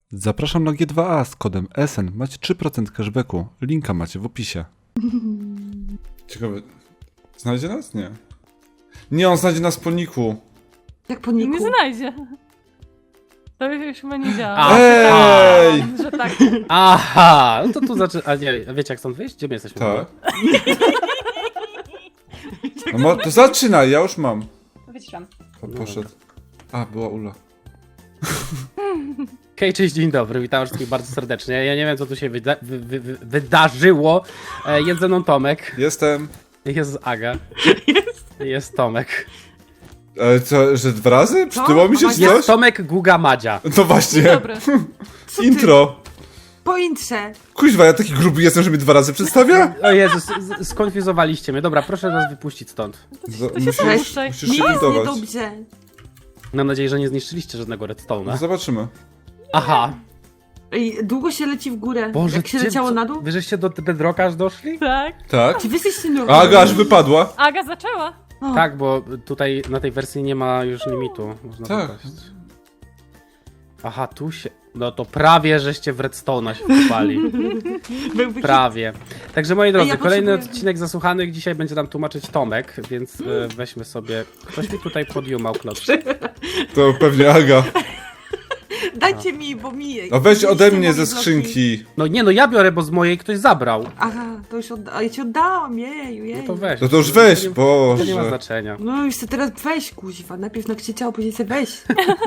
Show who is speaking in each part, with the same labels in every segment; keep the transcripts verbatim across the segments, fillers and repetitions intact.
Speaker 1: Zapraszam na G dwa A z kodem S N. Macie trzy procent cashbacku. Linka macie w opisie. Ciekawe. Znajdzie nas? Nie. Nie, on znajdzie nas po niku.
Speaker 2: Jak po niku?
Speaker 3: Nie znajdzie. To już chyba nie działa.
Speaker 4: A,
Speaker 1: Ej!
Speaker 3: Że tak.
Speaker 4: Aha, no to tu zaczyna. A nie, wiecie jak stąd wyjść? Gdzie my jesteśmy?
Speaker 1: Tak. No, mo- to zaczynaj, ja już mam.
Speaker 2: Wyciszam.
Speaker 1: Po- Poszedł. A, była Ula.
Speaker 4: Okej, cześć, dzień dobry, witam wszystkich bardzo serdecznie. Ja nie wiem co tu się wyda wy wy wy wydarzyło. E, jest ze mną Tomek,
Speaker 1: Jestem.
Speaker 4: jest Aga, jest Tomek.
Speaker 1: E, co, że dwa razy? Przytyło mi się czy
Speaker 4: Jest
Speaker 1: coś?
Speaker 4: Tomek Guga Madzia.
Speaker 1: No właśnie.
Speaker 3: Dobry.
Speaker 2: Co ty?
Speaker 1: Intro.
Speaker 2: Po intrze.
Speaker 1: Kuźwa, ja taki gruby jestem, że mnie dwa razy przedstawia?
Speaker 4: O Jezus, z- skonfuzowaliście mnie. Dobra, proszę nas wypuścić stąd.
Speaker 1: Z-
Speaker 3: to się
Speaker 1: musisz,
Speaker 3: puszczaj.
Speaker 1: musisz
Speaker 2: Nie
Speaker 1: się
Speaker 2: jest
Speaker 1: budować.
Speaker 2: niedobrze.
Speaker 4: Mam nadzieję, że nie zniszczyliście żadnego
Speaker 1: No
Speaker 4: redstone'a.
Speaker 1: zobaczymy.
Speaker 4: Aha.
Speaker 2: Ej, długo się leci w górę.
Speaker 4: Boże,
Speaker 2: Jak się
Speaker 4: gdzie-
Speaker 2: leciało
Speaker 4: co-
Speaker 2: na dół?
Speaker 4: Wy żeście do Bedrocka aż doszli?
Speaker 3: Tak.
Speaker 1: Tak?
Speaker 2: Czy wy jesteście
Speaker 1: A
Speaker 2: normalni?
Speaker 1: Aga aż wypadła.
Speaker 3: Aga zaczęła.
Speaker 2: O,
Speaker 4: Tak, bo tutaj na tej wersji nie ma już limitu. Można
Speaker 1: Tak.
Speaker 4: wypaść. Aha, tu się... No to prawie żeście w redstone'a się wkopali.
Speaker 2: byłby
Speaker 4: Prawie. Także moi drodzy,
Speaker 2: ja
Speaker 4: kolejny
Speaker 2: potrzebuję-
Speaker 4: odcinek Zasłuchanych. Dzisiaj będzie nam tłumaczyć Tomek, więc e, weźmy sobie... Ktoś mi tutaj podjumał klocz.
Speaker 1: To pewnie Aga.
Speaker 2: hit. Dajcie mi, bo mi...
Speaker 1: No weź ode
Speaker 2: mieliście
Speaker 1: mnie
Speaker 2: moje
Speaker 1: ze
Speaker 2: bloki.
Speaker 1: skrzynki.
Speaker 4: No nie, no ja biorę, bo z mojej ktoś zabrał.
Speaker 2: Aha, to już odda... ja ci oddałam, jeju, jeju.
Speaker 4: No to weź.
Speaker 1: No to już weź,
Speaker 4: To nie, to nie ma
Speaker 1: Boże.
Speaker 4: znaczenia.
Speaker 2: No już se teraz weź, kuźwa. Najpierw nakrzyczał, później se weź.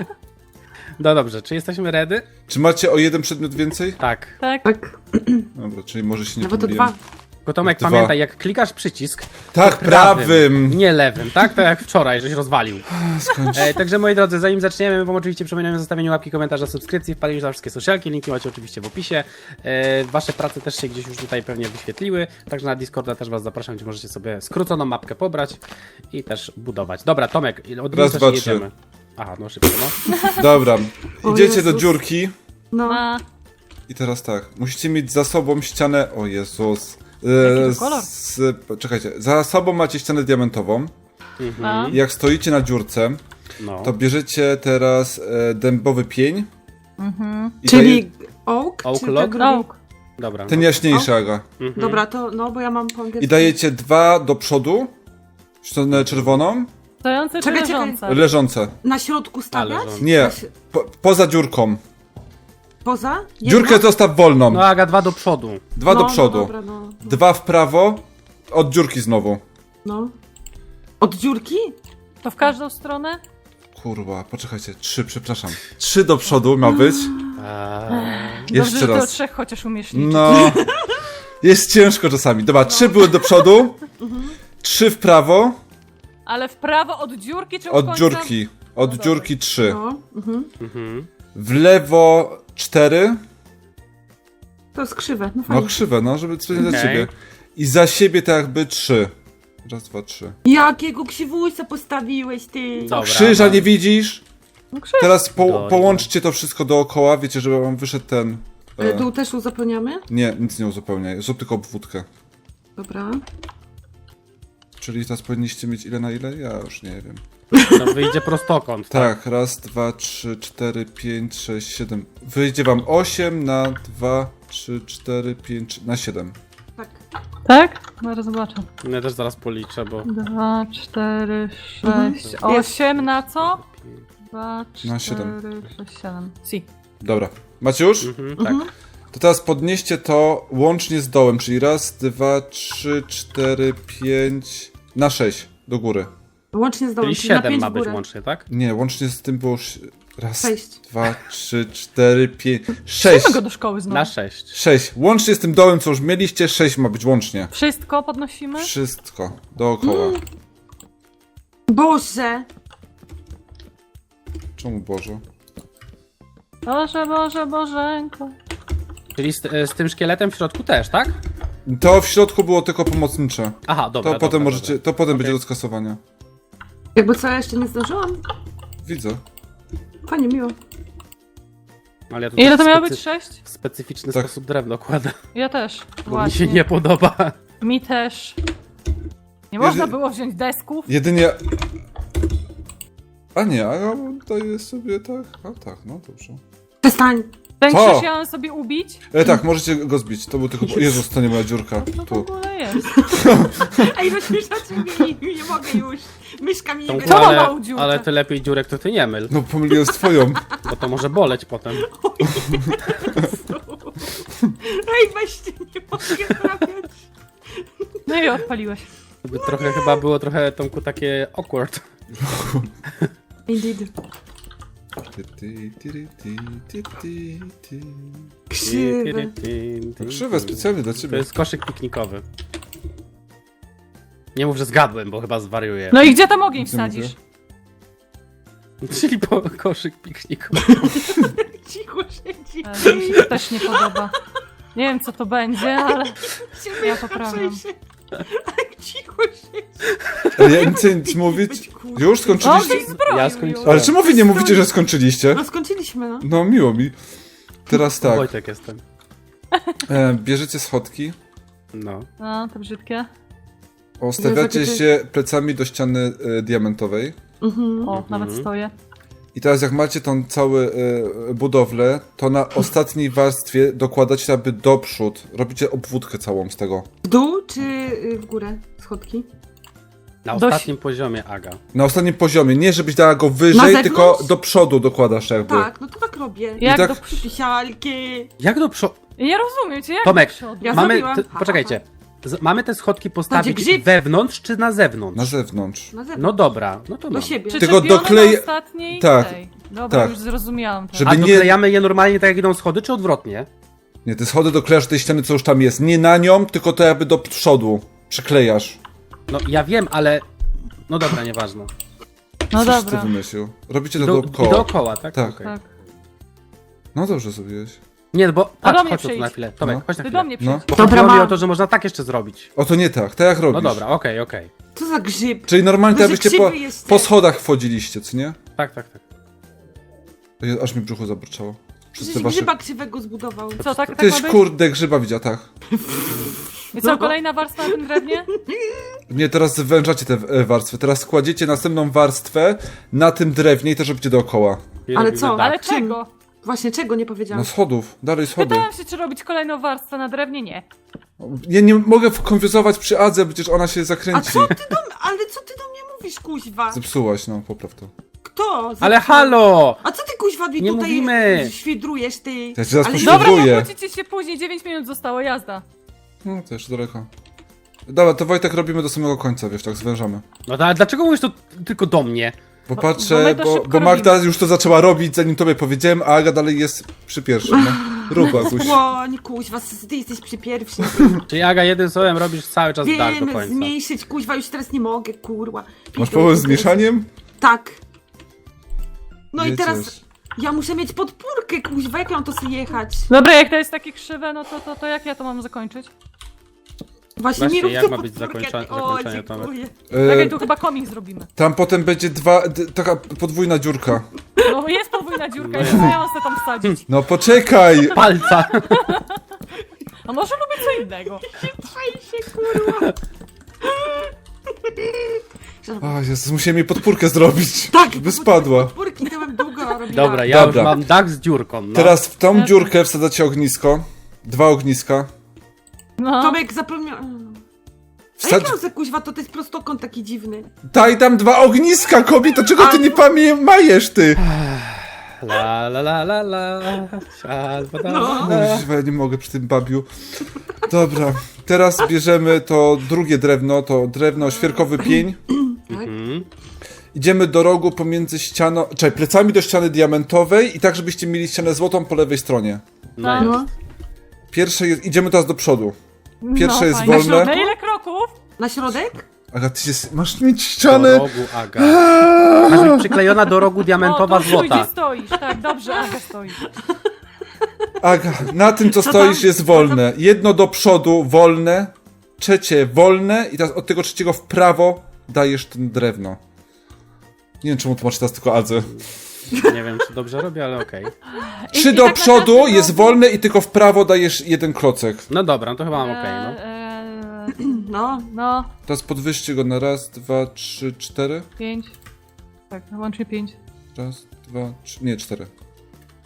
Speaker 4: No dobrze, czy jesteśmy ready?
Speaker 1: Czy macie o jeden przedmiot więcej?
Speaker 4: Tak.
Speaker 3: Tak.
Speaker 2: Tak,
Speaker 1: Dobra, czyli może się nie
Speaker 2: no bo to
Speaker 1: pomyliłem.
Speaker 2: dwa.
Speaker 4: Tylko Tomek,
Speaker 1: Dwa.
Speaker 4: pamiętaj, jak klikasz przycisk,
Speaker 1: Tak, prawym.
Speaker 4: nie lewym, tak? To jak wczoraj, żeś rozwalił.
Speaker 1: Skończ.
Speaker 4: E, także moi drodzy, zanim zaczniemy, my wam oczywiście przypominamy o zostawieniu łapki, komentarza, subskrypcji, wpadliście na wszystkie socialki, linki macie oczywiście w opisie. E, wasze prace też się gdzieś już tutaj pewnie wyświetliły, także na Discorda też was zapraszam, gdzie możecie sobie skróconą mapkę pobrać i też budować. Dobra, Tomek, od
Speaker 1: Raz,
Speaker 4: razu
Speaker 1: dwa,
Speaker 4: jedziemy. Aha, no szybko, no.
Speaker 1: Dobra,
Speaker 2: O
Speaker 1: idziecie do
Speaker 2: Jezus.
Speaker 1: dziurki
Speaker 2: No.
Speaker 3: A,
Speaker 1: i teraz tak, musicie mieć za sobą ścianę, o Jezus.
Speaker 3: Jaki to kolor?
Speaker 1: z, czekajcie, za sobą macie ścianę diamentową.
Speaker 3: a.
Speaker 1: I jak stoicie na dziurce,
Speaker 4: no.
Speaker 1: to bierzecie teraz e, dębowy pień. I
Speaker 2: Czyli
Speaker 1: daje,
Speaker 2: oak?
Speaker 4: Oak
Speaker 2: czy
Speaker 4: log?
Speaker 2: tak drugi?
Speaker 3: Oak.
Speaker 4: Dobra.
Speaker 1: ten jaśniejszy, Aga.
Speaker 4: Mhm.
Speaker 2: Dobra, to no, bo ja mam po angielsku.
Speaker 1: I dajecie dwa do przodu, stronę czerwoną,
Speaker 3: Stojące czy
Speaker 2: Czekaj, czekaj.
Speaker 3: leżące?
Speaker 1: leżące.
Speaker 2: Na środku stawiać?
Speaker 4: leżące.
Speaker 1: Nie,
Speaker 2: Na si-
Speaker 1: po, poza dziurką.
Speaker 2: Poza? Jedno?
Speaker 1: Dziurkę zostaw wolną.
Speaker 4: No Aga, dwa do przodu.
Speaker 1: Dwa
Speaker 2: no,
Speaker 1: do przodu.
Speaker 2: No, dobra, no, no,
Speaker 1: Dwa w prawo, od dziurki znowu.
Speaker 2: no. Od dziurki?
Speaker 3: To w każdą stronę?
Speaker 1: Kurwa, poczekajcie, trzy, przepraszam. Trzy do przodu ma być.
Speaker 4: Eee,
Speaker 3: Dobrze,
Speaker 1: Jeszcze
Speaker 3: że ty o
Speaker 1: raz.
Speaker 3: trzech chociaż umiesz liczyć.
Speaker 1: No. Jest ciężko czasami. Dobra, trzy były do przodu. Trzy w prawo,
Speaker 3: Ale w prawo od dziurki czy od
Speaker 1: od
Speaker 3: końca?
Speaker 1: dziurki. Od
Speaker 3: dobra.
Speaker 1: dziurki trzy.
Speaker 2: No. Mhm.
Speaker 4: mhm.
Speaker 1: W lewo cztery.
Speaker 2: To jest krzywe, no
Speaker 1: No
Speaker 2: fajnie.
Speaker 1: krzywe, no, żeby coś dla
Speaker 4: Okej.
Speaker 1: ciebie. I za siebie tak jakby trzy. Raz, dwa, trzy.
Speaker 2: Jakiego krzywulca postawiłeś, ty?
Speaker 4: Dobra.
Speaker 1: Krzyża nie widzisz?
Speaker 3: No krzyw.
Speaker 1: Teraz po,
Speaker 4: Dobra.
Speaker 1: połączcie to wszystko dookoła. Wiecie, żeby wam wyszedł ten...
Speaker 2: E,
Speaker 1: E,
Speaker 2: Dół też uzupełniamy?
Speaker 1: nie, nic nie uzupełniaj. Zrób tylko obwódkę.
Speaker 2: Dobra.
Speaker 1: Czyli teraz powinniście mieć ile na ile? Ja już nie wiem.
Speaker 4: No wyjdzie prostokąt, tak?
Speaker 1: Tak, raz, dwa, trzy, cztery, pięć, sześć, siedem. Wyjdzie wam osiem na dwa, trzy, cztery, pięć, na siedem.
Speaker 2: Tak.
Speaker 3: Tak? Zaraz zobaczę.
Speaker 4: Ja też zaraz policzę, bo...
Speaker 3: Dwa, cztery,
Speaker 2: Mhm.
Speaker 3: sześć, osiem na co? Dwa,
Speaker 1: Na
Speaker 3: cztery,
Speaker 1: siedem.
Speaker 3: sześć, siedem. Si.
Speaker 1: Dobra. Macie już?
Speaker 4: Mhm, tak.
Speaker 1: To teraz podnieście to łącznie z dołem, czyli raz, dwa, trzy, cztery, pięć, na sześć do góry.
Speaker 2: Łącznie z dołem,
Speaker 4: Czyli
Speaker 2: czyli na
Speaker 4: siedem
Speaker 2: pięć
Speaker 4: ma
Speaker 2: w
Speaker 4: być
Speaker 2: górę.
Speaker 4: łącznie, tak?
Speaker 1: Nie, łącznie z tym było już raz,
Speaker 2: Sześć.
Speaker 1: dwa, trzy, cztery, pięć, sześć.
Speaker 3: Trzymaj go do szkoły znowu.
Speaker 4: Na sześć.
Speaker 1: Sześć. Łącznie z tym dołem, co już mieliście, sześć ma być łącznie.
Speaker 3: Wszystko podnosimy?
Speaker 1: Wszystko. Dookoła.
Speaker 2: Boże!
Speaker 1: Czemu Boże?
Speaker 3: Boże, Boże, Bożenko.
Speaker 4: Czyli z, z tym szkieletem w środku też, tak?
Speaker 1: To w środku było tylko pomocnicze.
Speaker 4: Aha,
Speaker 1: To
Speaker 4: dobra,
Speaker 1: potem
Speaker 4: dobra,
Speaker 1: możecie,
Speaker 4: dobra.
Speaker 1: to potem
Speaker 4: Okej.
Speaker 1: będzie do skasowania.
Speaker 2: Jakby co, ja jeszcze nie zdążyłam?
Speaker 1: Widzę.
Speaker 2: Fajnie, miło.
Speaker 4: Ale ja tu
Speaker 3: Ile to
Speaker 4: w
Speaker 3: miało
Speaker 4: specy-
Speaker 3: być? Sześć?
Speaker 4: W specyficzny
Speaker 1: Tak.
Speaker 4: sposób drewno kładę,
Speaker 3: Ja też.
Speaker 4: bo
Speaker 3: Właśnie.
Speaker 4: mi się nie podoba.
Speaker 3: Mi też. Nie
Speaker 1: Jeżeli-
Speaker 3: można było wziąć desków?
Speaker 1: Jedynie... A nie, a ja daję sobie tak... A tak, no dobrze.
Speaker 2: Przestań!
Speaker 3: Ten
Speaker 1: Co?
Speaker 3: krzyż ja mam sobie ubić?
Speaker 1: E, tak, możecie go zbić. To był tylko... Jezus, to nie moja dziurka.
Speaker 3: Co to w
Speaker 1: Tu.
Speaker 3: ogóle jest?
Speaker 2: Ej, rozśmieszacie mnie, nie, nie mogę już. Myszka mi nie
Speaker 4: Tomku,
Speaker 3: Co
Speaker 2: będzie.
Speaker 3: ma
Speaker 4: ale,
Speaker 3: małą dziurkę?
Speaker 4: ale ty lepiej dziurek to ty nie myl,
Speaker 1: No pomyliłem z twoją.
Speaker 4: bo to może boleć potem.
Speaker 2: Ej, weźcie, nie mogę trafiać.
Speaker 3: No i odpaliłeś.
Speaker 4: To by trochę chyba było trochę Tomku takie awkward.
Speaker 2: Indeed.
Speaker 1: Ty, ty, ty, ty, ty, ty, ty.
Speaker 2: Krzywe.
Speaker 1: Krzywe, specjalnie dla
Speaker 4: To
Speaker 1: ciebie.
Speaker 4: jest koszyk piknikowy. Nie mów, że zgadłem, bo chyba zwariuję.
Speaker 3: No i gdzie tam ogień
Speaker 1: Co
Speaker 3: wsadzisz?
Speaker 4: Czyli po koszyk piknikowy.
Speaker 2: Cicho siedzi.
Speaker 3: Ale mi się to też nie podoba. Nie wiem co to będzie, ale
Speaker 2: Się
Speaker 3: ja
Speaker 2: myszka
Speaker 3: poprawiam.
Speaker 2: trzęsie. Tak cicho siedzi.
Speaker 1: Ale ja nic nic mówić. Już skończyliście?
Speaker 3: ogień zbroił
Speaker 4: Ja
Speaker 3: już.
Speaker 4: skończyłem.
Speaker 1: Ale czemu wy nie mówicie, że skończyliście?
Speaker 2: No skończyliśmy, no.
Speaker 1: No miło mi. Teraz tak.
Speaker 4: Wojtek jestem.
Speaker 1: E, bierzecie schodki.
Speaker 4: No.
Speaker 3: No, to brzydkie.
Speaker 1: Ustawiacie
Speaker 2: Jezu,
Speaker 1: się plecami do ściany e, diamentowej.
Speaker 2: Mhm.
Speaker 3: O, nawet stoję.
Speaker 1: I teraz jak macie tą całą e, budowlę, to na ostatniej warstwie dokładacie jakby do przód. Robicie obwódkę całą z tego.
Speaker 2: W dół czy y, w górę schodki?
Speaker 4: Na
Speaker 3: Dość-
Speaker 4: ostatnim poziomie, Aga.
Speaker 1: Na ostatnim poziomie. Nie żebyś dała go
Speaker 2: Na
Speaker 1: wyżej,
Speaker 2: zewnątrz?
Speaker 1: tylko do przodu dokładasz jakby.
Speaker 2: Tak, no to tak robię.
Speaker 3: Jak
Speaker 1: tak-
Speaker 3: do przodu?
Speaker 2: Pisialki.
Speaker 4: Jak do przodu?
Speaker 3: Nie rozumiem cię, jak
Speaker 4: Tomek,
Speaker 3: do przodu?
Speaker 2: Ja
Speaker 4: Mamy.
Speaker 2: zrobiłam.
Speaker 4: Te,
Speaker 2: Ha, ha,
Speaker 4: poczekajcie. Z, mamy te schodki postawić
Speaker 2: grzyb.
Speaker 4: wewnątrz czy na zewnątrz?
Speaker 1: Na zewnątrz.
Speaker 2: Na zewnątrz.
Speaker 4: No dobra, no to
Speaker 2: Do
Speaker 4: mam.
Speaker 2: siebie.
Speaker 1: Tylko
Speaker 3: Przyczepione
Speaker 1: doklej-
Speaker 3: na ostatniej
Speaker 1: Tak,
Speaker 3: tej. Dobra,
Speaker 1: tak.
Speaker 3: już zrozumiałam to.
Speaker 1: Żeby
Speaker 4: A
Speaker 1: nie-
Speaker 4: doklejamy je normalnie tak jak idą schody, czy odwrotnie?
Speaker 1: Nie, te schody doklejasz do tej ściany, co już tam jest. Nie na nią, tylko to jakby do przodu. Przyklejasz.
Speaker 4: No ja wiem, ale... No dobra, nieważne.
Speaker 3: No
Speaker 1: Coś ty
Speaker 3: dobra.
Speaker 1: wymyślił. Robicie to
Speaker 4: Do,
Speaker 1: dookoła.
Speaker 4: I dookoła, tak?
Speaker 1: Tak.
Speaker 4: Okej.
Speaker 3: Tak.
Speaker 1: No dobrze zrobiłeś.
Speaker 4: Nie, no bo...
Speaker 3: A do
Speaker 4: Patrz,
Speaker 3: mnie
Speaker 4: chodź tu
Speaker 3: przyjdź.
Speaker 4: na chwilę. Tomek,
Speaker 1: No.
Speaker 4: chodź na
Speaker 3: Ty
Speaker 4: chwilę.
Speaker 3: do mnie
Speaker 1: No.
Speaker 3: przyjdź.
Speaker 4: Bo
Speaker 2: Dobra,
Speaker 4: chodziło mi
Speaker 2: mam.
Speaker 4: o to, że można tak jeszcze zrobić.
Speaker 1: O to nie tak, tak jak robisz.
Speaker 4: No dobra, okej, okej.
Speaker 2: Co za grzyb?
Speaker 1: Czyli normalnie
Speaker 2: Duży
Speaker 1: tak byście po,
Speaker 2: krzywy jest.
Speaker 1: po schodach wchodziliście, co nie?
Speaker 4: Tak, tak, tak.
Speaker 1: Ej, aż mi brzuchu zaburczało. Przez te
Speaker 2: Przecież
Speaker 1: wasze...
Speaker 2: grzyba krzywego zbudował.
Speaker 3: Co, tak, tak
Speaker 1: Tyś
Speaker 3: ma być?
Speaker 1: kurde grzyba widział, tak.
Speaker 3: I co, kolejna warstwa na tym drewnie?
Speaker 1: Nie, teraz zwężacie te e, warstwy. Teraz kładziecie następną warstwę na tym drewnie i też robicie dookoła.
Speaker 4: I
Speaker 2: Ale
Speaker 4: robimy
Speaker 2: co?
Speaker 4: tak.
Speaker 3: Ale
Speaker 2: czym?
Speaker 3: czego?
Speaker 2: Właśnie, czego nie powiedziałam?
Speaker 1: No schodów, dalej schody.
Speaker 3: Pytałam się, czy robić kolejną warstwę na drewnie? Nie.
Speaker 1: Ja nie mogę konfiozować przy Adze, przecież ona się
Speaker 2: A
Speaker 1: zakręci.
Speaker 2: co ty do mnie, ale co ty do mnie mówisz, kuźwa?
Speaker 1: Zepsułaś, no popraw to.
Speaker 2: Kto?
Speaker 4: Ale
Speaker 2: Zepsuł?
Speaker 4: halo!
Speaker 2: A co ty kuźwa mi
Speaker 4: Nie
Speaker 2: tutaj
Speaker 4: mówimy.
Speaker 2: świdrujesz, ty?
Speaker 1: Ja cię zaraz
Speaker 2: Ale
Speaker 1: poświęcę.
Speaker 3: Dobra,
Speaker 1: Próbuję.
Speaker 3: nie kłócicie się później, dziewięć minut zostało, jazda.
Speaker 1: No to jeszcze daleko. Dobra, to Wojtek robimy do samego końca, wiesz, tak zwężamy.
Speaker 4: No to, ale dlaczego mówisz to tylko do mnie?
Speaker 1: Bo
Speaker 3: Bo-
Speaker 1: patrzę,
Speaker 3: bo my
Speaker 1: bo,
Speaker 3: to
Speaker 1: bo,
Speaker 3: szybko
Speaker 1: Magda
Speaker 3: robimy.
Speaker 1: już to zaczęła robić, zanim tobie powiedziałem, a Aga dalej jest przy pierwszym, no. Rób, Aguś.
Speaker 2: Słoń, kuźwa, ty jesteś przy pierwszym.
Speaker 4: Czyli Aga, jednym słowem robisz cały czas dach do
Speaker 2: Wiem,
Speaker 4: końca.
Speaker 2: zmniejszyć, kuźwa, już teraz nie mogę, kurwa.
Speaker 1: Masz problem z mieszaniem?
Speaker 2: Tak. No i
Speaker 1: Jedziesz.
Speaker 2: teraz ja muszę mieć podpórkę, kuźwa, jak mam to sobie jechać?
Speaker 3: Dobra, jak to jest takie krzywe, no to, to, to jak ja to mam zakończyć?
Speaker 2: Właśnie,
Speaker 4: Właśnie,
Speaker 2: nie rób
Speaker 4: jak
Speaker 2: to
Speaker 4: ma być
Speaker 2: podpórkę,
Speaker 4: zakończone-
Speaker 2: ty- o,
Speaker 4: zakończenie, Tomek?
Speaker 2: dziękuję.
Speaker 1: E,
Speaker 3: Czekaj, tu chyba komik zrobimy.
Speaker 1: tam potem będzie dwa, d, taka podwójna dziurka.
Speaker 3: No jest podwójna dziurka, i co ja mam sobie tam wsadzić?
Speaker 1: No poczekaj!
Speaker 4: Palca!
Speaker 3: A może lubię co innego?
Speaker 2: Trzej się, kurwa.
Speaker 1: O Jezus, musiałem jej podpórkę zrobić,
Speaker 2: Tak,
Speaker 1: żeby spadła.
Speaker 2: Podpórki to bym długo robiła.
Speaker 4: Dobra, ja
Speaker 1: Dobra.
Speaker 4: już mam dach z dziurką. No.
Speaker 1: Teraz w tą dziurkę wsadzacie ognisko. Dwa ogniska.
Speaker 3: No.
Speaker 2: Tomek zapomniał... A
Speaker 1: Wsadź...
Speaker 2: jak mam za kuźwa, to to jest prostokąt taki dziwny.
Speaker 1: Daj tam dwa ogniska, kobieto, czego ty nie pamiętajesz, ty?
Speaker 4: La la la la la. Albo da,
Speaker 2: No.
Speaker 4: da.
Speaker 1: Kuźwa, ja nie mogę przy tym babiu. Dobra, teraz bierzemy to drugie drewno, to drewno świerkowy pień.
Speaker 4: Mhm.
Speaker 1: Idziemy do rogu pomiędzy ścianą, czekaj, plecami do ściany diamentowej i tak, żebyście mieli ścianę złotą po lewej stronie.
Speaker 3: No.
Speaker 4: No.
Speaker 2: No.
Speaker 1: Pierwsze jest, idziemy teraz do przodu. Pierwsze
Speaker 3: no,
Speaker 1: jest
Speaker 3: fajnie.
Speaker 1: wolne.
Speaker 3: Na ile kroków?
Speaker 2: Na środek?
Speaker 1: Aga, ty się, masz mieć
Speaker 4: Do
Speaker 1: ścianę.
Speaker 4: rogu, Aga. Masz być przyklejona do rogu diamentowa
Speaker 3: o, tu
Speaker 4: złota.
Speaker 3: Gdzie stoisz, tak, dobrze, Aga stoi.
Speaker 1: Aga, na tym co
Speaker 2: Co
Speaker 1: stoisz
Speaker 2: tam?
Speaker 1: jest wolne. Jedno do przodu wolne, trzecie wolne i teraz od tego trzeciego w prawo dajesz ten drewno. Nie wiem czemu tłumaczę teraz tylko Adze.
Speaker 4: Nie wiem, czy dobrze robię, ale okej.
Speaker 1: Trzy
Speaker 3: i
Speaker 1: do
Speaker 3: tak na
Speaker 1: przodu
Speaker 3: każdym
Speaker 1: jest
Speaker 3: rogu-
Speaker 1: wolne i tylko w prawo dajesz jeden klocek.
Speaker 4: No dobra, no to chyba mam okej, no.
Speaker 3: Eee,
Speaker 2: No.
Speaker 3: no,
Speaker 1: Teraz podwyższcie go na raz, dwa, trzy, cztery.
Speaker 3: pięć. Tak, łącznie pięć.
Speaker 1: Raz, dwa, trzy, nie, cztery.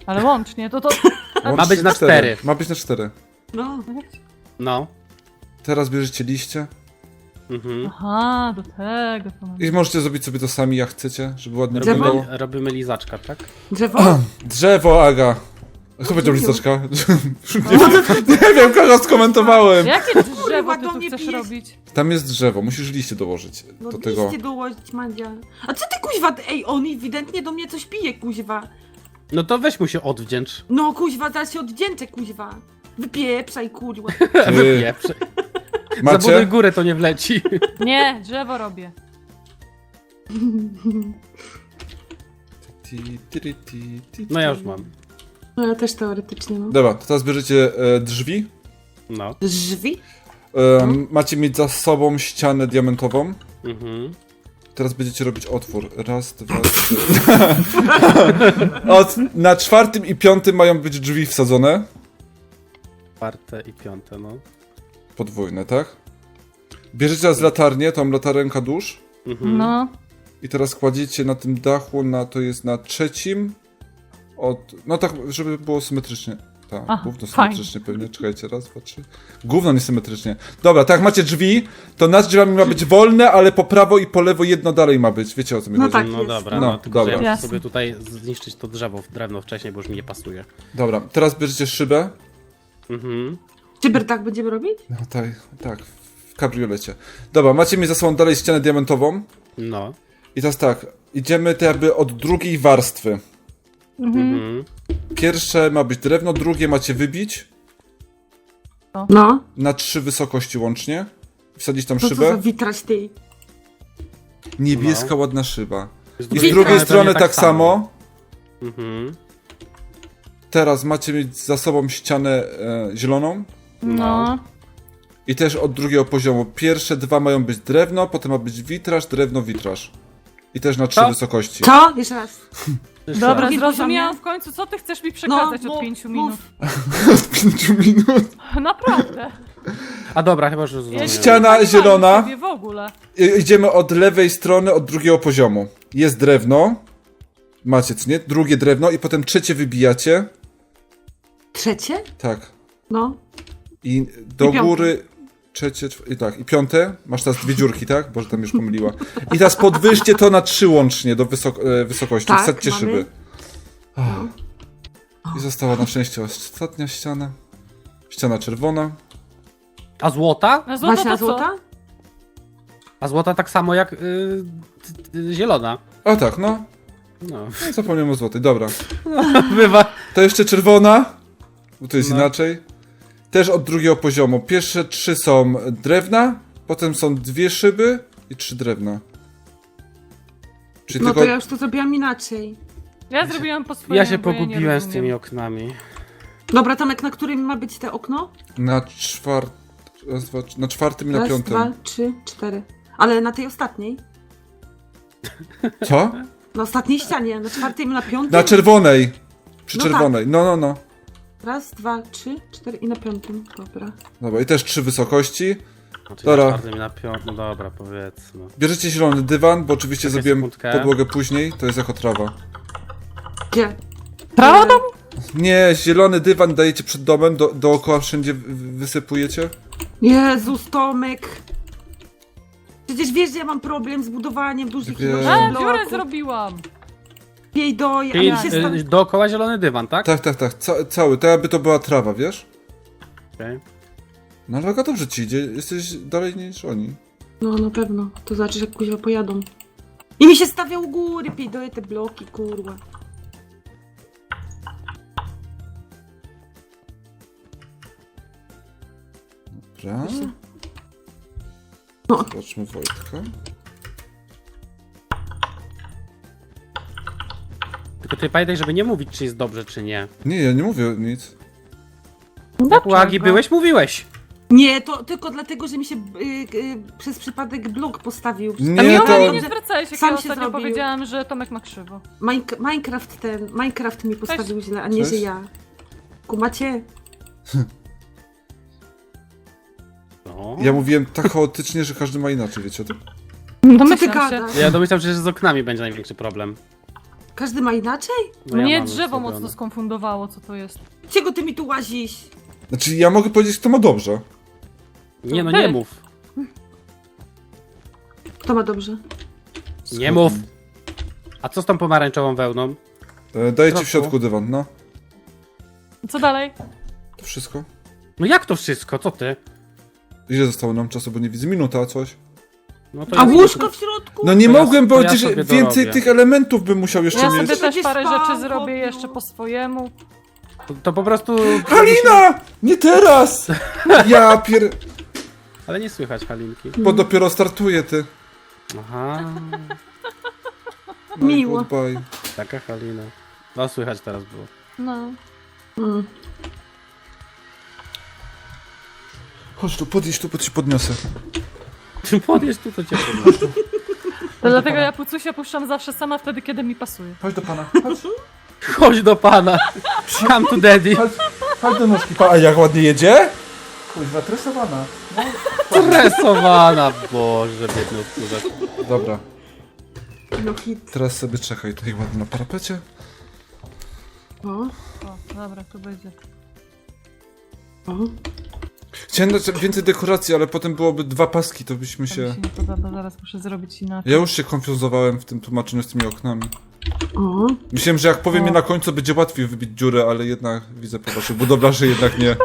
Speaker 3: Ale łącznie, to to...
Speaker 4: Ma być na cztery.
Speaker 1: Ma być na cztery.
Speaker 2: No.
Speaker 4: No.
Speaker 1: Teraz bierzecie liście
Speaker 4: Mhm.
Speaker 3: Aha, do tego to mam.
Speaker 1: i możecie zrobić sobie to sami jak chcecie, żeby ładnie
Speaker 2: Drzewo?
Speaker 1: wyglądało.
Speaker 4: Robimy, robimy lizaczka, tak?
Speaker 2: Drzewo?
Speaker 1: Drzewo, Aga. Kto powiedział listoczka? Nie wiem, kogo skomentowałem.
Speaker 3: Jakie drzewo ty
Speaker 2: do
Speaker 3: tu
Speaker 2: mnie
Speaker 3: chcesz
Speaker 2: pijesz.
Speaker 3: robić?
Speaker 1: Tam jest drzewo, musisz liście dołożyć
Speaker 2: No
Speaker 1: do tego.
Speaker 2: liście dołożyć, Madzia. A co ty kuźwa, ej, on ewidentnie do mnie coś pije, kuźwa.
Speaker 4: No to weź mu się odwdzięcz.
Speaker 2: No kuźwa, teraz się oddzięczę, kuźwa. Wypieprzaj, kurwa.
Speaker 1: Wy
Speaker 4: Wypieprz. Zabuduj
Speaker 1: macie?
Speaker 4: górę, to nie wleci.
Speaker 3: Nie, drzewo robię.
Speaker 1: Ti, ti, ti, ti, ti.
Speaker 4: No ja już mam.
Speaker 2: No ja też teoretycznie, no.
Speaker 1: Dobra, to teraz bierzecie e, drzwi.
Speaker 4: No.
Speaker 2: Drzwi?
Speaker 1: E, macie mieć za sobą ścianę diamentową.
Speaker 4: Mhm.
Speaker 1: Teraz będziecie robić otwór. Raz, dwa, trzy. Od, na czwartym i piątym mają być drzwi wsadzone.
Speaker 4: Czwarte i piąte, no.
Speaker 1: Podwójne, tak? Bierzecie teraz latarnię, tą latarenka dusz.
Speaker 4: Mhm.
Speaker 3: No.
Speaker 1: I teraz kładziecie na tym dachu, na, to jest na trzecim. Od, no tak, żeby było symetrycznie. Tak,
Speaker 3: Aha,
Speaker 1: gówno
Speaker 3: fajnie.
Speaker 1: symetrycznie pewnie. Czekajcie, raz, dwa, trzy. Gówno niesymetrycznie. Dobra, tak, macie drzwi, to nad drzwiami ma być wolne, ale po prawo i po lewo jedno dalej ma być. Wiecie o co mi
Speaker 2: No
Speaker 1: chodzi?
Speaker 2: tak.
Speaker 4: No
Speaker 2: jest.
Speaker 4: dobra,
Speaker 1: No,
Speaker 4: no, tylko
Speaker 1: dobra.
Speaker 4: że ja muszę
Speaker 3: Jasne.
Speaker 4: sobie tutaj zniszczyć to drzewo, drewno wcześniej, bo już mi nie pasuje.
Speaker 1: Dobra, teraz bierzecie szybę.
Speaker 4: Mhm.
Speaker 2: Cyber tak będziemy robić?
Speaker 1: No tak, tak, w kabriolecie. Dobra, macie mi za sobą dalej ścianę diamentową.
Speaker 4: No.
Speaker 1: I teraz tak, idziemy to jakby od drugiej warstwy.
Speaker 4: Mhm.
Speaker 1: Pierwsze ma być drewno, drugie macie wybić
Speaker 2: No.
Speaker 1: na trzy wysokości łącznie. Wsadzić tam
Speaker 2: To co za
Speaker 1: szybę.
Speaker 2: witraż ty?
Speaker 1: Niebieska,
Speaker 4: No.
Speaker 1: ładna szyba. I z
Speaker 2: drugiej
Speaker 1: drugiej
Speaker 2: strony
Speaker 1: strony
Speaker 4: pewnie
Speaker 1: tak samo.
Speaker 4: Mhm.
Speaker 1: Teraz macie mieć za sobą ścianę e, zieloną.
Speaker 3: No.
Speaker 1: I też od drugiego poziomu. Pierwsze dwa mają być drewno, potem ma być witraż, drewno, witraż. I też na trzy
Speaker 4: Co?
Speaker 1: wysokości.
Speaker 2: Co? Jeszcze raz.
Speaker 4: Jeszcze
Speaker 3: Dobra,
Speaker 4: raz.
Speaker 2: Drugi
Speaker 3: zrozumiałam
Speaker 2: poziom,
Speaker 3: w końcu, co ty chcesz mi przekazać
Speaker 2: No,
Speaker 3: od
Speaker 2: mów,
Speaker 3: pięciu
Speaker 2: mów.
Speaker 3: minut.
Speaker 1: Od pięciu minut.
Speaker 3: Naprawdę.
Speaker 4: A dobra, chyba już rozumiem.
Speaker 1: Ściana
Speaker 3: nie
Speaker 1: zielona.
Speaker 3: Sobie w ogóle.
Speaker 1: I, idziemy od lewej strony, od drugiego poziomu. Jest drewno. Macie, co nie? Drugie drewno i potem trzecie wybijacie.
Speaker 2: Trzecie?
Speaker 1: Tak.
Speaker 2: No.
Speaker 1: I do
Speaker 2: I piąte.
Speaker 1: góry trzecie, czw- i tak, i piąte, masz teraz dwie dziurki, tak? Boże, tam już pomyliła. I teraz podwyższcie to na trzy łącznie do wysok- e, wysokości,
Speaker 2: Tak,
Speaker 1: wsadźcie
Speaker 2: mamy.
Speaker 1: szyby. Ach. I została na szczęście ostatnia ściana. Ściana czerwona.
Speaker 4: A złota?
Speaker 3: Na złoto
Speaker 2: Właśnie
Speaker 3: to
Speaker 2: na
Speaker 3: co?
Speaker 2: złota?
Speaker 4: A złota tak samo jak y, y, y, zielona.
Speaker 1: A tak, no.
Speaker 4: No.
Speaker 1: No, zapomniałem o złotej, dobra.
Speaker 4: Bywa.
Speaker 1: To jeszcze czerwona, bo to jest
Speaker 4: No.
Speaker 1: inaczej. Też od drugiego poziomu. Pierwsze trzy są drewna, potem są dwie szyby i trzy drewna. Czyli
Speaker 2: No
Speaker 1: tylko...
Speaker 2: to ja już to zrobiłam inaczej.
Speaker 3: Ja zrobiłam po swojemu,
Speaker 4: Ja się
Speaker 3: bo ja nie
Speaker 4: pogubiłem z
Speaker 3: rozumiem.
Speaker 4: tymi oknami.
Speaker 2: Dobra, Tomek, na którym ma być te okno?
Speaker 1: Na czwart... Raz, dwa, trzy- na czwartym i na
Speaker 2: Raz,
Speaker 1: piątym.
Speaker 2: dwa, trzy, cztery. Ale na tej ostatniej?
Speaker 1: Co?
Speaker 2: Na ostatniej ścianie, na czwartym i na piątym?
Speaker 1: Na czerwonej. Przy
Speaker 2: No
Speaker 1: czerwonej. No, no, no.
Speaker 2: Raz, dwa, trzy, cztery i na piątym. Dobra.
Speaker 1: Dobra, i też trzy wysokości.
Speaker 4: Znaczy
Speaker 1: Dobra.
Speaker 4: na czwartym i na piątym. No dobra, powiedzmy.
Speaker 1: Bierzecie zielony dywan, bo oczywiście
Speaker 4: Czekaj
Speaker 1: zrobiłem
Speaker 4: sekundkę.
Speaker 1: podłogę później. To jest jako trawa.
Speaker 2: Gdzie?
Speaker 3: Prawo
Speaker 2: do...
Speaker 1: Nie, zielony dywan dajecie przed domem, do, dookoła wszędzie wy- wysypujecie.
Speaker 2: Jezus, Tomek. Przecież wiesz, że ja mam problem z budowaniem dużych
Speaker 1: Wiem.
Speaker 2: ilości
Speaker 3: A, dziurę
Speaker 2: bloków.
Speaker 3: zrobiłam.
Speaker 2: Jej doj, a
Speaker 4: Czyli
Speaker 2: mi się sta...
Speaker 4: y, dookoła zielony dywan, tak?
Speaker 1: Tak, tak, tak. Ca cały. To jakby to była trawa, wiesz?
Speaker 4: Okej.
Speaker 1: No ale Aga, dobrze ci idzie. Jesteś dalej niż oni.
Speaker 2: No, na pewno. To znaczy, że kuźwa pojadą. I mi się stawia u góry, pijdoje te bloki, kurwa.
Speaker 1: Dobra.
Speaker 2: No.
Speaker 1: Zobaczmy Wojtka.
Speaker 4: Tylko ty pamiętaj, żeby nie mówić, czy jest dobrze, czy nie.
Speaker 1: Nie, ja nie mówię nic.
Speaker 4: Jak u Agi byłeś, mówiłeś.
Speaker 2: Nie, to tylko dlatego, że mi się y, y, przez przypadek blok postawił.
Speaker 3: A
Speaker 1: Nie,
Speaker 3: mi
Speaker 1: to...
Speaker 3: to... nie zwracałeś, jak
Speaker 2: Sam
Speaker 3: ja
Speaker 2: się
Speaker 3: ostatnio
Speaker 2: zrobił.
Speaker 3: powiedziałam, że Tomek ma krzywo.
Speaker 2: Mine- Minecraft ten, Minecraft mi postawił źle, a nie,
Speaker 1: Cześć.
Speaker 2: że ja. Kumacie?
Speaker 4: No.
Speaker 1: Ja mówiłem tak chaotycznie, że każdy ma inaczej, wiecie o tym?
Speaker 3: No
Speaker 2: Co ty
Speaker 3: myślę się.
Speaker 2: gadasz?
Speaker 4: Ja domyślam, że z oknami będzie największy problem.
Speaker 2: Każdy ma inaczej?
Speaker 4: No ja
Speaker 3: Mnie
Speaker 4: mam
Speaker 3: drzewo
Speaker 4: ustawione.
Speaker 3: mocno skonfundowało, co to jest.
Speaker 2: Czego ty mi tu łazisz?
Speaker 1: Znaczy, ja mogę powiedzieć, kto ma dobrze.
Speaker 4: Nie no,
Speaker 3: Ty.
Speaker 4: nie mów.
Speaker 2: Kto ma dobrze?
Speaker 4: Nie mów. A co z tą pomarańczową wełną?
Speaker 1: E, Daję ci
Speaker 4: Trochę.
Speaker 1: w środku dywan, no.
Speaker 3: Co dalej?
Speaker 1: To wszystko.
Speaker 4: No jak to wszystko? Co ty?
Speaker 1: Ile zostało nam czasu, bo nie widzę. Minuta, coś.
Speaker 4: No to
Speaker 2: A
Speaker 4: jest-
Speaker 2: łóżko w środku?
Speaker 1: No nie
Speaker 4: To ja-
Speaker 1: mogłem,
Speaker 4: to
Speaker 1: bo
Speaker 4: ja
Speaker 1: przecież
Speaker 4: sobie
Speaker 1: więcej
Speaker 4: dorobię.
Speaker 1: tych elementów bym musiał jeszcze
Speaker 3: Ja
Speaker 1: mieć.
Speaker 3: sobie też
Speaker 2: Będzie
Speaker 3: parę
Speaker 2: spał,
Speaker 3: rzeczy zrobię
Speaker 2: chłopie.
Speaker 3: jeszcze po swojemu.
Speaker 4: To, to po prostu...
Speaker 1: Halina! Nie teraz! Ja pier...
Speaker 4: Ale nie słychać Halinki.
Speaker 1: Bo dopiero startuję, ty.
Speaker 4: Aha,
Speaker 1: No i
Speaker 2: Miło.
Speaker 1: goodbye.
Speaker 4: taka Halina. No słychać teraz było.
Speaker 3: No.
Speaker 2: Mm.
Speaker 1: Chodź tu, podjedź tu, bo ci podniosę.
Speaker 4: Podjedź tu, to cię podnoszę.
Speaker 3: To dlatego ja Pucusia puszczam zawsze sama wtedy, kiedy mi pasuje.
Speaker 1: Chodź do pana. Chodź,
Speaker 4: Chodź do pana. Come to daddy.
Speaker 1: chodź, chodź do nóżki. Pa, a jak ładnie jedzie? Kuźwa, tresowana.
Speaker 4: Stresowana, Boże, biedny odkurzacz.
Speaker 1: Dobra,
Speaker 2: No hit.
Speaker 1: teraz sobie czekaj tutaj ładnie na parapecie.
Speaker 2: O,
Speaker 3: O, dobra, tu będzie.
Speaker 2: o.
Speaker 1: Chciałem dać więcej dekoracji, ale potem byłoby dwa paski, to byśmy
Speaker 3: To mi
Speaker 1: się...
Speaker 3: się nie podoba, zaraz muszę zrobić inaczej.
Speaker 1: Ja już się konfuzowałem w tym tłumaczeniu z tymi oknami.
Speaker 2: O.
Speaker 1: Myślałem, że jak powiem
Speaker 3: O.
Speaker 1: je na końcu, będzie łatwiej wybić dziurę, ale jednak widzę po waszych budowlarzy, jednak nie.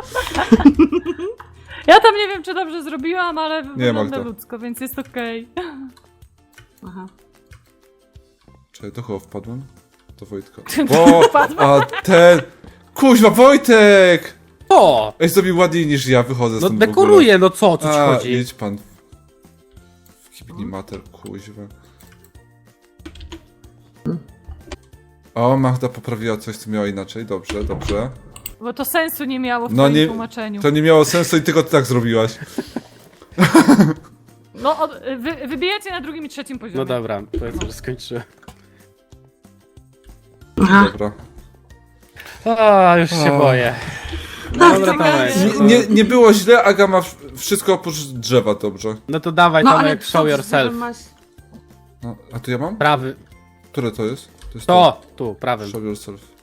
Speaker 3: Ja tam nie wiem, czy dobrze zrobiłam, ale wygląda
Speaker 1: Magda.
Speaker 3: ludzko, więc jest okej.
Speaker 2: Aha.
Speaker 1: Czekaj, do kogo wpadłem? Do Wojtka. O, a ten... Kuźwa, Wojtek!
Speaker 4: O!
Speaker 1: Ej, zrobił ładniej niż ja, wychodzę
Speaker 4: No
Speaker 1: stąd w ogóle.
Speaker 4: dekoruje, no co, o co ci
Speaker 1: A,
Speaker 4: chodzi?
Speaker 1: idź pan. W kibni mater, kuźwa. O, Magda poprawiła coś, co miała inaczej. Dobrze, dobrze.
Speaker 3: Bo to sensu nie miało w
Speaker 1: No
Speaker 3: twoim
Speaker 1: nie-
Speaker 3: tłumaczeniu.
Speaker 1: To nie miało sensu i tylko ty tak zrobiłaś.
Speaker 3: No, od, wy, wybijacie na drugim i trzecim poziomie.
Speaker 4: No dobra, powiedzmy, że skończyłem.
Speaker 2: Aha.
Speaker 1: Dobra.
Speaker 4: A, już się
Speaker 1: O.
Speaker 4: boję.
Speaker 2: Tak,
Speaker 4: Dobra,
Speaker 2: czekaj.
Speaker 4: Tomek.
Speaker 1: Nie, nie, nie było źle, Aga ma w- wszystko oprócz drzewa, dobrze.
Speaker 4: No to dawaj,
Speaker 2: No ale
Speaker 4: Tomek,
Speaker 2: co
Speaker 4: show
Speaker 2: ty
Speaker 4: yourself.
Speaker 2: masz?
Speaker 1: No, a tu ja mam?
Speaker 4: Prawy.
Speaker 1: Które to jest? To jest
Speaker 4: To, tu, prawym.
Speaker 1: Show yourself.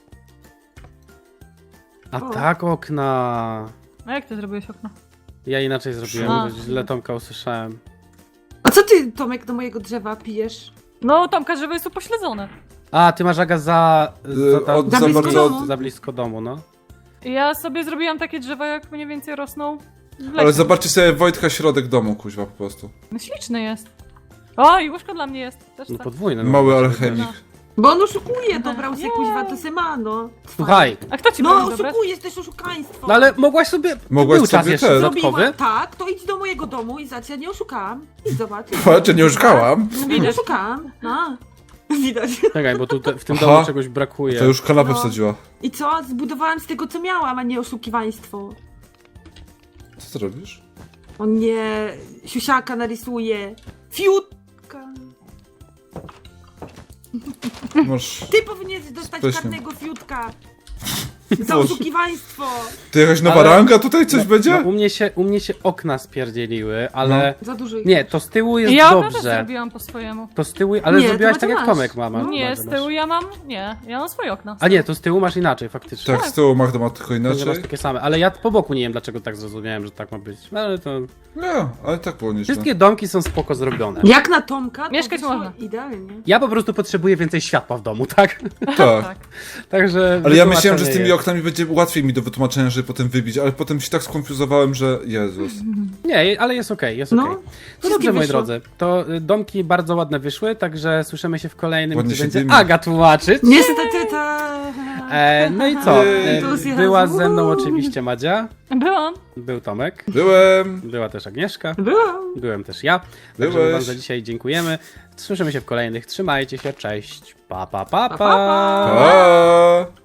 Speaker 4: A
Speaker 2: O.
Speaker 4: tak okna.
Speaker 3: A jak ty zrobiłeś okno?
Speaker 4: Ja inaczej zrobiłem,
Speaker 3: A.
Speaker 4: bo źle Tomka usłyszałem.
Speaker 2: A co ty, Tomek, do mojego drzewa pijesz?
Speaker 3: No, Tomka, żeby jest upośledzone.
Speaker 4: A, ty masz Aga za... za,
Speaker 1: Y,
Speaker 4: za,
Speaker 1: od-
Speaker 2: za blisko
Speaker 1: bardzo
Speaker 2: domu.
Speaker 4: za blisko domu, no.
Speaker 3: I ja sobie zrobiłam takie drzewa, jak mniej więcej rosną w lesie.
Speaker 1: Ale zobaczcie sobie Wojtka środek domu, kuźwa, po prostu.
Speaker 3: No, śliczny jest. O, i łóżko dla mnie jest. Też
Speaker 4: No
Speaker 3: tak.
Speaker 4: podwójne. No,
Speaker 1: Mały
Speaker 4: no.
Speaker 1: alchemik.
Speaker 2: Bo on oszukuje, dobrał se
Speaker 3: Nie.
Speaker 2: kuźwa, to se ma, no.
Speaker 4: Słuchaj,
Speaker 3: A kto ci
Speaker 2: No,
Speaker 3: powiedział, dobre?
Speaker 2: oszukujesz, też oszukaństwo.
Speaker 4: no ale mogłaś sobie...
Speaker 1: Mogłaś
Speaker 4: był czas
Speaker 1: sobie
Speaker 4: jeszcze
Speaker 1: ten.
Speaker 4: dodatkowy.
Speaker 2: Zrobiła tak, to idź do mojego domu i zobacz, ja nie oszukałam. I zobacz.
Speaker 1: Patrz, nie oszukałam.
Speaker 2: Nie
Speaker 3: Widać.
Speaker 2: oszukałam, no. Widać.
Speaker 4: Czekaj, bo tu te, w tym
Speaker 1: Aha.
Speaker 4: domu czegoś brakuje.
Speaker 1: To już kanapę
Speaker 2: No.
Speaker 1: wsadziła.
Speaker 2: I co? Zbudowałam z tego, co miałam, a nie oszukiwaństwo.
Speaker 1: Co ty robisz?
Speaker 2: O nie, siusiaka narysuje. Fiutka.
Speaker 1: Masz...
Speaker 2: Ty powinieneś dostać
Speaker 1: Spyszny.
Speaker 2: karnego fiutka. Za
Speaker 1: Boże.
Speaker 2: oszukiwaństwo.
Speaker 1: To jakaś nowa
Speaker 4: Ale-
Speaker 1: ranga tutaj coś będzie?
Speaker 4: No, u, mnie się, u mnie się okna spierdzieliły, ale...
Speaker 2: Za dużo ich.
Speaker 4: Nie, to z tyłu jest
Speaker 3: Ja okno też
Speaker 4: dobrze.
Speaker 3: zrobiłam po swojemu.
Speaker 4: To z tyłu, ale
Speaker 2: Nie, to
Speaker 4: zrobiłaś
Speaker 2: Macie
Speaker 4: tak jak
Speaker 2: masz.
Speaker 4: Tomek mama.
Speaker 2: No.
Speaker 3: Nie,
Speaker 4: Macie
Speaker 3: z
Speaker 4: masz.
Speaker 3: tyłu ja mam... Nie, ja mam swoje okno.
Speaker 4: A nie, to z tyłu masz inaczej faktycznie.
Speaker 1: Tak, z tyłu Magda ma tylko
Speaker 4: To nie masz
Speaker 1: inaczej.
Speaker 4: takie same, ale ja po boku nie wiem dlaczego tak zrozumiałem, że tak ma być. Ale to...
Speaker 1: Nie, ale tak było nieźle.
Speaker 4: Wszystkie domki są spoko zrobione.
Speaker 2: Jak na Tomka, to
Speaker 3: Mieszkać
Speaker 2: wyszło
Speaker 3: można.
Speaker 2: idealnie.
Speaker 4: Ja po prostu potrzebuję więcej światła w domu, tak?
Speaker 1: Tak.
Speaker 3: Tak.
Speaker 4: Także...
Speaker 1: Ale ja myślałem, że z
Speaker 4: wytłumaczenie
Speaker 1: tymi
Speaker 4: jest.
Speaker 1: oknami będzie łatwiej mi do wytłumaczenia, żeby potem wybić, ale potem się tak skonfuzowałem, że Jezus.
Speaker 4: Nie, ale jest okej, jest
Speaker 2: No,
Speaker 4: okej. No
Speaker 2: wszystkie
Speaker 4: dobrze, moi
Speaker 2: wyszło.
Speaker 4: drodzy, to y, domki bardzo ładne wyszły, także słyszymy się w kolejnym,
Speaker 1: Ładnie
Speaker 4: gdzie
Speaker 1: się
Speaker 4: będzie
Speaker 1: dymi.
Speaker 4: Aga tłumaczyć.
Speaker 2: Niestety ta...
Speaker 4: E, no i co?
Speaker 1: Jej.
Speaker 4: E,
Speaker 2: Entuzjazm.
Speaker 4: była ze mną oczywiście Madzia,
Speaker 3: Byłam.
Speaker 4: był Tomek,
Speaker 1: Byłem.
Speaker 4: była też Agnieszka,
Speaker 2: Byłam.
Speaker 4: byłem też ja. Także
Speaker 1: Byłeś.
Speaker 4: wam za dzisiaj dziękujemy. Słyszymy się w kolejnych. Trzymajcie się, cześć. Pa, pa, pa, pa.
Speaker 2: Pa, pa, pa.
Speaker 1: Pa!